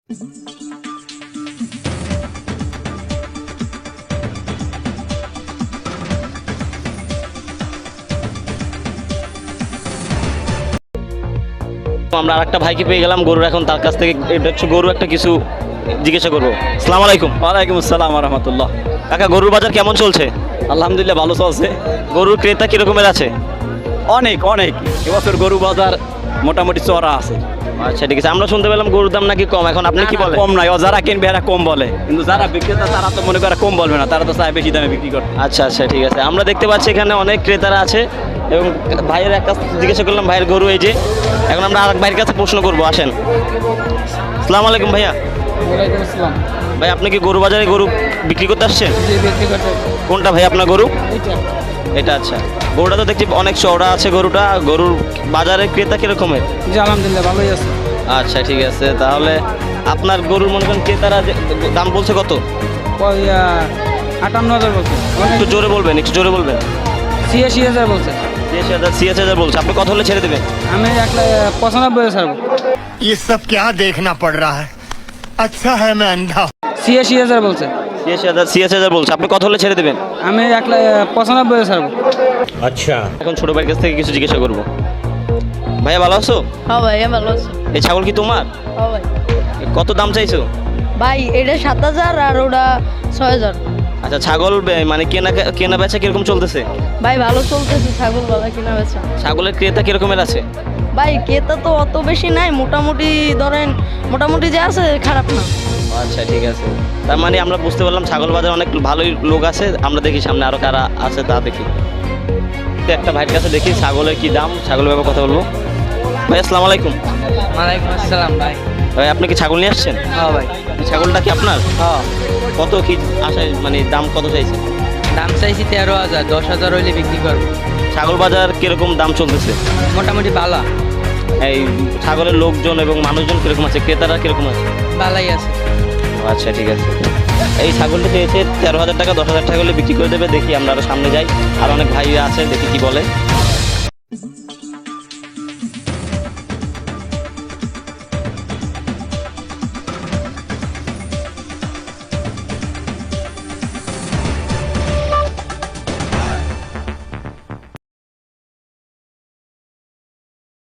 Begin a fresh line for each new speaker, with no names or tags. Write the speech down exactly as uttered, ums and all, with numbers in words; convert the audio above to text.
আমরা আরেকটা ভাইকে পেয়ে গেলাম গরুর, এখন তার কাছ থেকে এটা হচ্ছে গরু একটা কিছু জিজ্ঞাসা করবো। আসসালামু আলাইকুম।
ওয়ালাইকুম আসসালাম ওয়া রাহমাতুল্লাহ।
কাকা, গরুর বাজার কেমন চলছে?
আলহামদুলিল্লাহ ভালো চলছে।
গরুর ক্রেতা কিরকমের আছে?
অনেক অনেক এবছর গরু বাজার মোটামুটি চড়া আছে।
আচ্ছা ঠিক আছে। আমরা শুনতে পেলাম গরুর দাম নাকি কম, এখন আপনি কি বলেন?
কম নাই, ও যারা কিনবে এরা কম বলে, কিন্তু যারা বিক্রেতা তারা তো মনে করে কম বলবে না, তারা তো চায় বেশি দামে বিক্রি করতে।
আচ্ছা আচ্ছা ঠিক আছে। আমরা দেখতে পাচ্ছি এখানে অনেক ক্রেতারা আছে এবং ভাইয়ের এক কাছ থেকে জিজ্ঞাসা করলাম ভাইয়ের গরু এই যে। এখন আমরা আরেক ভাইয়ের কাছে প্রশ্ন করবো, আসেন। আসসালামু আলাইকুম ভাইয়া।
ওয়ালাইকুম আসসালাম।
ভাই আপনি কি গরু বাজারে গরু বিক্রি করতে আসছেন?
জি, বিক্রি করতে।
কোনটা ভাই আপনার গরু?
এইটা
এটা। আচ্ছা, গরুটা তো দেখছি অনেক চওড়া আছে গরুটা। গরুর বাজারে ক্রেতা কিরকমের?
জি আলহামদুলিল্লাহ ভালোই আছে।
আচ্ছা ঠিক আছে। তাহলে আপনার গরুর মনে করেন ক্রেতারা যে দাম বলছে কত?
ওই আটান্ন হাজার বলছে।
একটু জোরে বলবেন, একটু জোরে বলবেন।
ছিয়াশি হাজার বলছে।
ছিয়াশি হাজার ছিয়াশি হাজার বলছে। আপনি কত হলে ছেড়ে দেবেন?
আমি এক লাখ পঁচানব্বই ছাড়বো।
ये सब क्या देखना पड़ रहा है। अच्छा है मैं अंधा हूं।
ছিয়াশি হাজার বলছে।
ছিয়াশি হাজার ছিয়াশি হাজার বলছে। আপনি কত হলে ছেড়ে দেবেন?
আমি এক লাখ পঁচানব্বই ছাড়বো।
এখন ছোট ভাইয়ের কাছ থেকে কিছু জিজ্ঞাসা করবো। ভাইয়া ভালো আছো?
হ্যাঁ ভাই, আমি ভালো আছি।
এই ছাগল কি তোমার?
হ্যাঁ ভাই।
কত দাম চাইছো?
ভাই এটা সাত হাজার আর ওটা ছয় হাজার।
আচ্ছা, ছাগল বে- মানে কেনা কেনা বেচা কিরকম চলতেছে?
ভাই ভালো চলতেছে, ছাগল ভালো কিনা বেচা।
ছাগলের ক্রেতা কিরকমের আছে?
ভাই ক্রেতা তো অত বেশি নাই, মোটামুটি ধরেন মোটামুটি যে আছে খারাপ না।
আচ্ছা ঠিক আছে। তার মানে আমরা বুঝতে পারলাম ছাগল বাজার অনেক ভালোই লোক আছে। আমরা দেখি সামনে আরো কারা আছে তা দেখি। তো একটা ভাইয়ের কাছে দেখি ছাগলের কি দাম, ছাগলের ব্যাপারে কথা বলবো। ভাই আসসালামু আলাইকুম।
ওয়ালাইকুম আসসালাম ভাই।
ভাই আপনি কি ছাগল নিয়ে আসছেন?
হ্যাঁ ভাই।
এই ছাগলটা কি আপনার?
হ্যাঁ,
কত কি আশায়, মানে দাম কত চাইছে?
দাম চাইছি তেরো হাজার, দশ হাজার হইলে বিক্রি করবো।
ছাগল বাজার কিরকম দাম চলতেছে?
মোটামুটি ভালো
এই ছাগলের লোকজন এবং মানুষজন কিরকম আছে, ক্রেতারা কিরকম আছে?
ভালোই আছে।
আচ্ছা ঠিক আছে। এই ছাগলটা চেয়েছে তেরো হাজার টাকা, দশ হাজার টাকা হলে বিক্রি করে দেবে। দেখি আমরা আরো সামনে যাই, আর অনেক ভাই আছে, দেখি কি বলে।